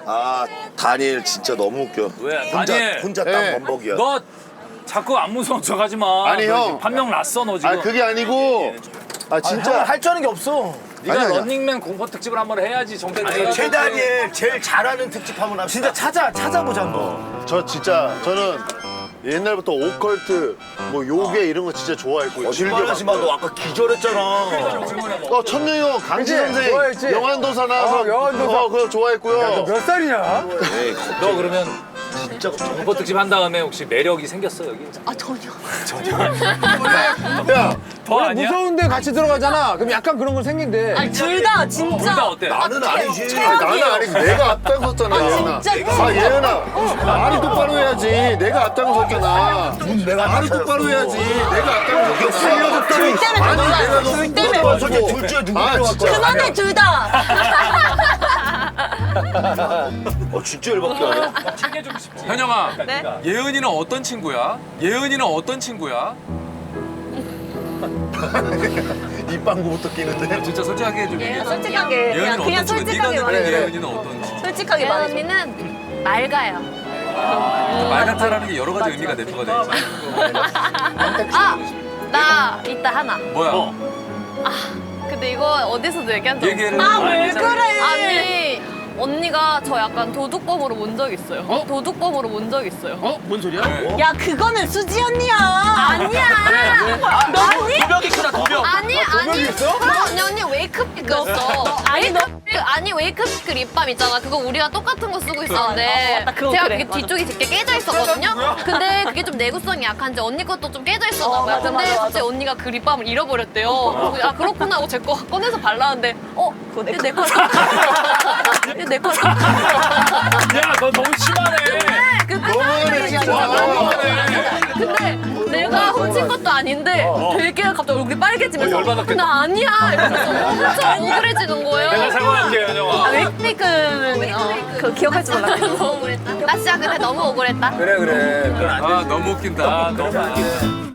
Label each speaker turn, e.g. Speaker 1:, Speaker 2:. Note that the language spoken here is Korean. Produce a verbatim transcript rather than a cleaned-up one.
Speaker 1: 아 다니엘 진짜 너무 웃겨.
Speaker 2: 왜?
Speaker 1: 혼자
Speaker 2: 다니엘.
Speaker 1: 혼자 딱
Speaker 3: 네.
Speaker 1: 범벅이야.
Speaker 2: 너 자꾸 안 무서운 척하지 마.
Speaker 3: 아니,
Speaker 2: 너
Speaker 3: 형.
Speaker 2: 지금 판명 났어 너 지금.
Speaker 3: 아 그게 아니고 아 진짜
Speaker 4: 할 줄 아는 게 없어.
Speaker 2: 네가
Speaker 3: 아니, 아니야.
Speaker 2: 런닝맨 공포 특집을 한번 해야지 정대.
Speaker 1: 아니 최다니엘 제일 잘하는 특집 한번 합시다.
Speaker 4: 진짜 찾아 찾아보자 한번.
Speaker 3: 저 진짜 저는 옛날부터 오컬트 뭐 요괴 이런 거 진짜 좋아했고
Speaker 1: 거짓말하지 마. 너 아까 기절했잖아.
Speaker 3: 어 천룡 강지
Speaker 4: 그치?
Speaker 3: 선생
Speaker 4: 좋아했지?
Speaker 3: 영환도사 나와서
Speaker 4: 어, 영환도사.
Speaker 3: 어, 그거 좋아했고요.
Speaker 4: 몇 살이냐?
Speaker 2: 너 그러면 진짜 공포 특집 한 다음에 혹시 매력이 생겼어 여기?
Speaker 5: 아 전혀.
Speaker 3: 야
Speaker 2: 더 아니야?
Speaker 4: 무서운데 같이 들어가잖아. 그럼 약간 그런 건 생긴대.
Speaker 5: 아니 둘 다 진짜.
Speaker 2: 둘 다 어때?
Speaker 1: 나는 아니지.
Speaker 3: 아니, 나는 아니지 내가 앞장섰잖아 예은아.
Speaker 5: 진짜
Speaker 3: 아 예은아 말이 똑바로 해야지. 내가 앞장섰잖아.
Speaker 1: 내가
Speaker 3: 말이 똑바로 해야지. 내내가 앞장섰잖아.
Speaker 5: 둘 때문에
Speaker 3: 아니
Speaker 5: 그거야.
Speaker 3: 내가 너
Speaker 5: 둘 때문에.
Speaker 3: 너
Speaker 1: 솔직히 둘 중에 누구
Speaker 3: 아,
Speaker 1: 들어갈
Speaker 3: 진짜.
Speaker 1: 거야?
Speaker 5: 그만해 둘 다.
Speaker 1: 어 진짜 열받게 하네.
Speaker 2: 챙겨주고 싶지.
Speaker 6: 현영아,
Speaker 5: 네?
Speaker 6: 예은이는 어떤 친구야? 예은이는 어떤 친구야?
Speaker 3: 입방구부터 끼는데.
Speaker 6: 진짜 솔직하게 좀 얘기해.
Speaker 5: 솔직하게 그냥
Speaker 6: 예은이는
Speaker 5: 그냥
Speaker 6: 어떤 친구? 네가
Speaker 5: 솔직하게
Speaker 6: 느끼는
Speaker 5: 말해.
Speaker 6: 예은이는 어떤 친구?
Speaker 5: 솔직하게
Speaker 7: 예은
Speaker 5: 말해.
Speaker 7: 언니는 맑아요.
Speaker 6: 말 같아라는 게 여러 가지 의미가 내포가 돼 있잖아.
Speaker 7: 아! 나 이따 하나.
Speaker 6: 뭐야?
Speaker 7: 근데 이거 어디서도 얘기한 적 없어.
Speaker 6: 얘기를
Speaker 5: 아 왜 그래?
Speaker 7: 아니 언니가 저 약간 도둑범으로 본 적 있어요. 도둑범으로 본 적 있어요.
Speaker 4: 어? 뭔 소리야?
Speaker 5: 야 그거는 수지 언니야.
Speaker 7: 아니야.
Speaker 5: 아니?
Speaker 2: 도벽이 크다 도벽.
Speaker 7: 아니 아니.
Speaker 4: 있어?
Speaker 7: 언니 언니 웨이크피크였어.
Speaker 5: 아니, 너-
Speaker 7: 웨이크피크 아니 웨이크피크 립밤 있잖아. 그거 우리가 똑같은 거 쓰고 있었는데
Speaker 5: 아, 맞다. 그거
Speaker 7: 제가
Speaker 5: 그래.
Speaker 7: 그게
Speaker 5: 맞아.
Speaker 7: 뒤쪽이 되게 깨져 있었거든요. 근데 그게 좀 내구성이 약한지 언니 것도 좀 깨져 있었나
Speaker 5: 어,
Speaker 7: 봐요.
Speaker 5: 맞아,
Speaker 7: 근데
Speaker 5: 맞아,
Speaker 7: 갑자기 언니가 그 립밤을 잃어버렸대요. 그래서 아 그렇구나 하고 제 거 꺼내서 발랐는데 어?
Speaker 5: 그거 내
Speaker 7: 내 거라. 내 거라.
Speaker 2: 야 너 너무 심하네.
Speaker 3: 너무하네 진짜.
Speaker 7: 근데 내가 훔친 것도 아닌데 되게 갑자기 얼굴이 빨개지면서
Speaker 2: 어, 열받았겠다.
Speaker 7: 나 아니야 이러면서 엄청 억울해지는 거예요.
Speaker 2: 내가 사과할게 현영아.
Speaker 5: 아 웨이크피크는 어, 그거 기억할 줄 몰랐네.
Speaker 7: 너무 억울했다. 나 진짜 그때 너무 억울했다.
Speaker 4: 그래 그래.
Speaker 6: 아 너무 웃긴다.
Speaker 2: 아 너무 웃기다.